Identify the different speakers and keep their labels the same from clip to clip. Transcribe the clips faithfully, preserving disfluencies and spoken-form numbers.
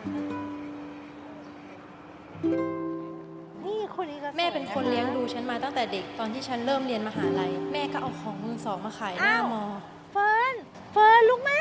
Speaker 1: นี่คนนี้ก็
Speaker 2: แม่เป็นคนเลี้ยงดูฉันมาตั้งแต่เด็กตอนที่ฉันเริ่มเรียนมหาลัยแม่ก็เอาของมือสองมาขายหน้ามอ
Speaker 1: เฟิร์นเฟิร์นลูกแม่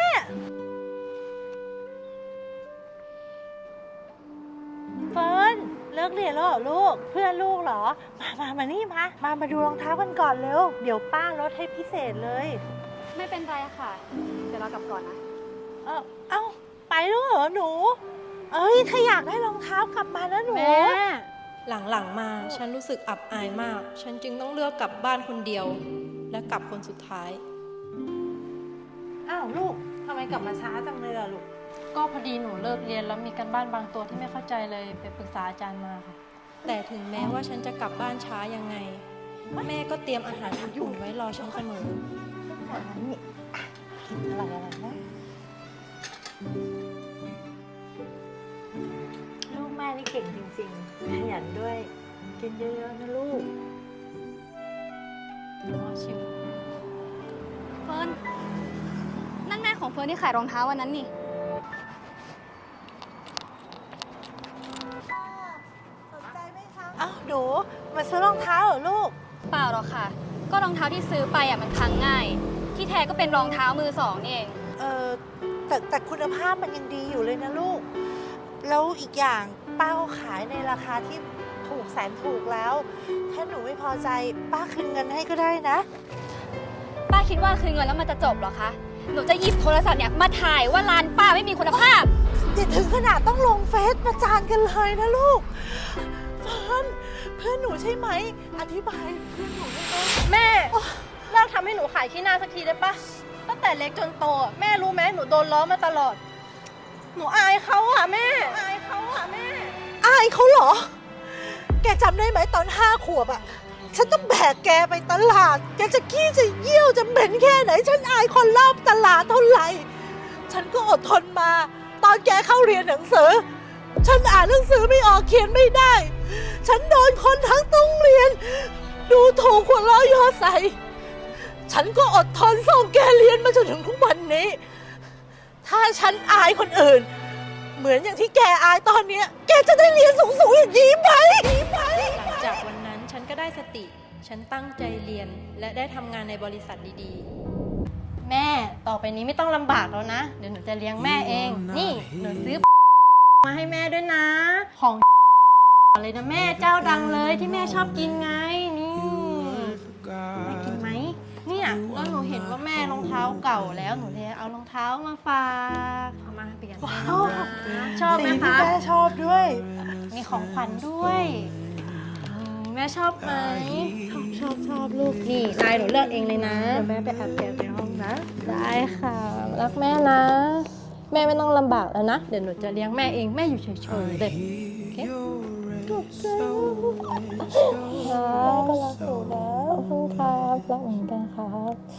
Speaker 1: เฟิร์นเลิกเรียนแล้วเหรอลูกเพื่อนลูกเหรอมามามานี่มามามาดูรองเท้ากันก่อนเร็วเดี๋ยวป้าลดให้พิเศษเลย
Speaker 3: ไม่เป็นไรค่ะ เดี๋ยวเรากลับก่อนนะ
Speaker 1: เออเอ้าไปแล้วเหรอหนูเอ้ยถ้าอยากได้รองเท้ากลับมานะหนู
Speaker 3: แม่
Speaker 2: หลังๆมาฉันรู้สึกอับอายมาก ฉันจึงต้องเลือกกลับบ้านคนเดียว และกลับคนสุดท้าย
Speaker 1: อ้าวลูกทำไมกลับมาช้าจังเลยล่ะลูก
Speaker 2: ก็พอดีหนูเลิกเรียนแล้วมีการบ้านบางตัวที่ไม่เข้าใจเลยไปปรึกษาอาจารย์มาค่ะ แต่ถึงแม้ว่าฉันจะกลับบ้านช้ายังไง แม่ก็เตรียมอาหารอุ่นๆไว้รอฉันเสมอ
Speaker 1: นี่กินอะไรอะไรนะลูกแม่นี่เก่งจริงๆขยันด้วยกินเยอะๆนะลูก
Speaker 2: ชิว
Speaker 3: เฟิร์น นั่นแม่ของเฟิร์นที่ขายรองเท้าวันนั้นนี่
Speaker 1: อ้าวหนูมาซื้อรองเท้าเหรอลูก
Speaker 3: เปล่าหรอกค่ะ ก็รองเท้าที่ซื้อไปอ่ะมันพังง่าย ที่แท้ก็เป็นรองเท้ามือสองนี่เอง
Speaker 1: เออแต่แต่คุณภาพมันยังดีอยู่เลยนะลูก แล้วอีกอย่างป้าเขาขายในราคาที่ถูกแสนถูกแล้ว ถ้าหนูไม่พอใจป้าคืนเงินให้ก็ได้นะ
Speaker 3: ป้าคิดว่าคืนเงินแล้วมันจะจบเหรอคะ หนูจะหยิบโทรศัพท์เนี่ยมาถ่ายว่าร้านป้าไม่มีคุณภาพ
Speaker 1: อย่าถึงขนาดต้องลงเฟซประจานกันเลยนะลูกเฟิร์นเพื่อนหนูใช่ไหม อธิบายเพื่อนหนูได้ไหม
Speaker 2: แม่เลิกทำให้หนูขายขี้หน้าสักทีได้ปะตั้งแต่เล็กจนโตอะแม่รู้ไหมหนูโดนล้อมาตลอด หนูอายเขาอะแม่อายเขาอะแม่
Speaker 1: อายเขาเหรอ แกจำได้ไหมตอนห้าขวบอะฉันต้องแบกแกไปตลาด แกจะขี้จะเยี่ยวจะเหม็นแค่ไหน ฉันอายคนรอบตลาดเท่าไหร่ ฉันก็อดทนมา ตอนแกเข้าเรียนหนังสือ ฉันอ่านหนังสือไม่ออกเขียนไม่ได้ ฉันโดนคนทั้งต้องเรียน ดูถูกหัวเราะเยอใส่ ฉันก็อดทนส่งแกเรียนมาจนถึงทุกวันนี้ ถ้าฉันอายคนอื่น เหมือนอย่างที่แกอายตอนเนี้ย แกจะได้เรียนสูงๆอย่างนี้ไหมไหม
Speaker 2: หลังจากวันนั้นฉันก็ได้สติ ฉันตั้งใจเรียนและได้ทำงานในบริษัทดีๆ แม่ต่อไปนี้ไม่ต้องลำบากแล้วนะ เดี๋ยวหนูจะเลี้ยงแม่เอง นี่หนูซื้อมาให้แม่ด้วยนะ ของอะไรนะแม่เจ้าดังเลยที่แม่ชอบกินไง นี่แม่กินไหมเนี่ยก็หนูเห็นว่าแม่รองเท้าเก่าแล้วหนูเลยเอารองเท้ามาฝากเอามาเปลี่ยนให้น้องนะชอบไหม
Speaker 1: สิ่งที่
Speaker 2: คะ
Speaker 1: แม่ชอบด้วย
Speaker 2: มีของขวัญด้วยอืมแม่ชอบไหมชอบชอบชอบลูกนี่ลายหนูเลือกเองเลยนะเดี๋ยวแม่ไปแอบแกะในห้องนะ ได้ค่ะรักแม่นะ แม่ไม่ต้องลำบากแล้วนะ เดี๋ยวหนูจะเลี้ยงแม่เองแม่อยู่เฉยๆเลยโอเคถูกใจครับก็รักหนูนะขอบคุณครับรักเหมือนกันครับ